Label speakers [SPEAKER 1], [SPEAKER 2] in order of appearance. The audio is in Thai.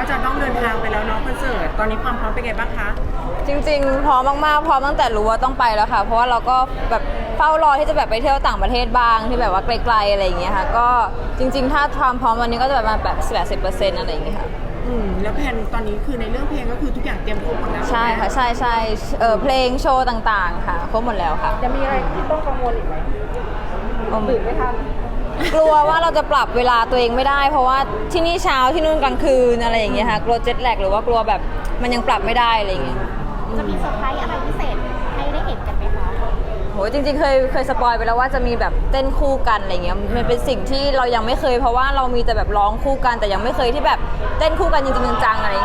[SPEAKER 1] จะต้องเดินทางไปแล้วเนาะคอนเสิร์ตตอนนี้ความพร้อมเป็นไงบ้างคะ
[SPEAKER 2] จริงๆพร้อมมากๆพร้อมตั้งแต่รู้ว่าต้องไปแล้วค่ะเพราะว่าเราก็แบบเฝ้ารอที่จะแบบไปเที่ยวต่างประเทศบ้างที่แบบว่าไกลๆอะไรอย่างเงี้ยค่ะก็จริงๆถ้าความพร้อมวันนี้ก็จะแบบมาแบบ80%อะไรอย่างเงี้ยค่ะ
[SPEAKER 1] แล้วแผนตอนนี้คือในเรื่องเพลงก็คือทุกอย่างเตรียมครบหมดแล้ว
[SPEAKER 2] ใช่ค่ะใช่เพลงโชว์ต่างๆค่ะครบหมดแล้วค่ะ
[SPEAKER 3] จะมีอะไรที่ต้องกังวลอีกไหมตื่นไม่ทัน
[SPEAKER 2] กลัวว่าเราจะปรับเวลาตัวเองไม่ได้เพราะว่าที่นี่เช้าที่นู่นกลางคืนอะไรอย่างเงี้ยค่ะกลัวเจ็ตแลกหรือว่ากลัวแบบมันยังปรับไม่ได้อะไรอย่างเงี้ย
[SPEAKER 4] จะมีเซอร์ไพรส์อะไรพิเศษให้ได้เห็นกันไหมคะ
[SPEAKER 2] โหจริงๆเคยสปอยไปแล้วว่าจะมีแบบเต้นคู่กันอะไรเงี้ยมันเป็นสิ่งที่เรายังไม่เคยเพราะว่าเรามีแต่แบบร้องคู่กันแต่ยังไม่เคยที่แบบเต้นคู่กันจริงๆจังๆอะไร